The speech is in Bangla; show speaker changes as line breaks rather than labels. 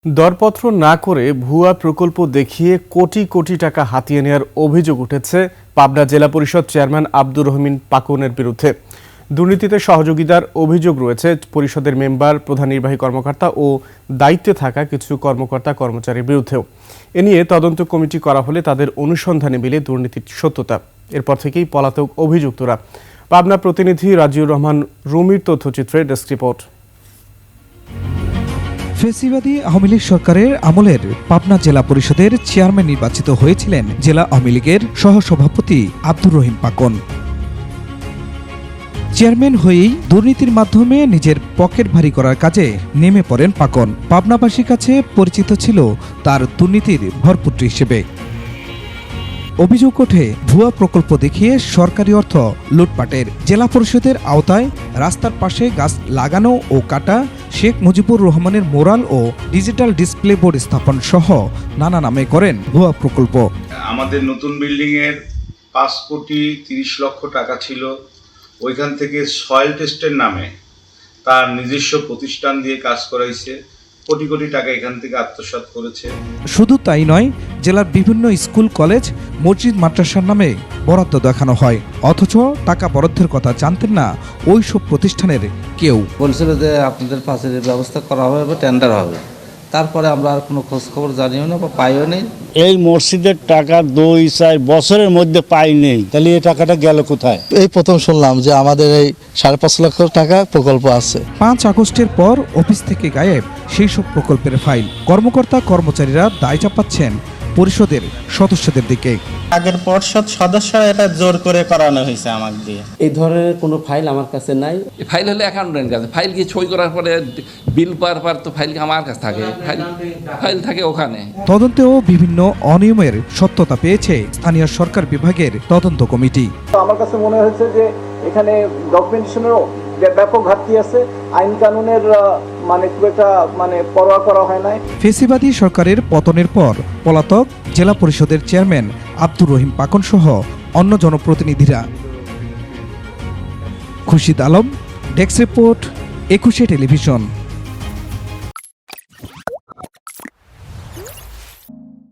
দরপত্র না করে ভুয়া প্রকল্প দেখিয়ে কোটি কোটি টাকা হাতিয়ে নেওয়ার অভিযোগ উঠেছে পাবনা জেলা পরিষদ চেয়ারম্যান আব্দুর রহিম পাকনের বিরুদ্ধে। দুর্নীতিতে সহযোগিতার অভিযোগ রয়েছে পরিষদের মেম্বার, প্রধান নির্বাহী কর্মকর্তা ও দায়িত্বে থাকা কিছু কর্মকর্তা কর্মচারীর বিরুদ্ধেও। এ নিয়ে তদন্ত কমিটি করা হলে তাদের অনুসন্ধানে মিলে দুর্নীতির সত্যতা। এরপর থেকেই পলাতক অভিযুক্তরা। পাবনা প্রতিনিধি রাজিউর রহমান রুমির তথ্যচিত্রে ডেস্ক রিপোর্ট।
ফেসিবাদী আওয়ামী লীগ সরকারের আমলের পাবনা জেলা পরিষদের চেয়ারম্যান নির্বাচিত হয়েছিলেন জেলা আওয়ামী লীগের সহসভাপতি আব্দুর রহিম পাকন। চেয়ারম্যান হয়েই দুর্নীতির মাধ্যমে নিজের পকেট ভারী করার কাজে নেমে পড়েন পাকন। পাবনাবাসীর কাছে পরিচিত ছিল তার দুর্নীতির ভরপুত্র হিসেবে। অভিযোগ ওঠে ভুয়া প্রকল্প দেখিয়ে সরকারি অর্থ লুটপাটের। জেলা পরিষদের আওতায় রাস্তার পাশে গাছ লাগানো ও কাটা, শেখ মুজিবুর রহমানের মোরাল ও ডিজিটাল ডিসপ্লে বোর্ড স্থাপন সহ নানা নামে করেন ভুয়া প্রকল্প।
আমাদের নতুন বিল্ডিং এর 5,30,00,000 টাকা ছিল। ওইখান থেকে সয়েল টেস্টের নামে তার নিজস্ব প্রতিষ্ঠান দিয়ে কাজ করাইছে। কোটি কোটি টাকা এখান থেকে আত্মসাৎ করেছে।
শুধু তাই নয়, জেলার বিভিন্ন স্কুল, কলেজ, মসজিদ, মাদ্রাসার নামে বরাদ্দ দেখানো হয়, অথচ টাকা বরাদ্দের কথা জানতেন না ওই সব প্রতিষ্ঠানের কেউ।
বলছিল যে আপনাদের পাশের ব্যবস্থা করা হবে বা টেন্ডার হবে, তারপরে আমরা আর কোনো খোঁজ খবর জানিও না বা পাইও নেই।
এই মসজিদের টাকা 2-4 বছরের মধ্যে পাই নেই, তাহলে এই টাকাটা গেল কোথায়?
এই প্রথম শুনলাম যে আমাদের এই 5.5 লক্ষ টাকা প্রকল্প আছে।
5 আগস্টের পর অফিস থেকে গায়েব সেই সব প্রকল্পের ফাইল। কর্মকর্তা কর্মচারীরা দায় চাপাচ্ছেন পরিষদের সদস্যদের দিকে।
আগের পর্ষদ সদস্যরা এটা জোর করে করানো হয়েছে আমাকে দিয়ে।
এই ধরনের কোনো ফাইল আমার কাছে নাই।
ফাইল হলে অ্যাকাউন্টেন্টের কাছে, ফাইল কি সই করার পরে বিল পাওয়ার পর তো ফাইল আমার কাছে থাকে, ফাইল থাকে ওখানে।
তদন্তেও বিভিন্ন অনিয়মের সত্যতা পেয়েছে স্থানীয় সরকার বিভাগের তদন্ত কমিটি।
আমার কাছে মনে হয়েছে যে এখানে ডকুমেন্টেশনেরও ব্যাপক ঘাটতি আছে, আইন কানুনের খুব একটা পরোয়া করা হয় নাই।
ফেসিবাদী সরকারের পতনের পর পলাতক জেলা পরিষদের চেয়ারম্যান আব্দুর রহিম পাকন সহ অন্য জনপ্রতিনিধিরা। Khurshid Alam, desk report, 21 television.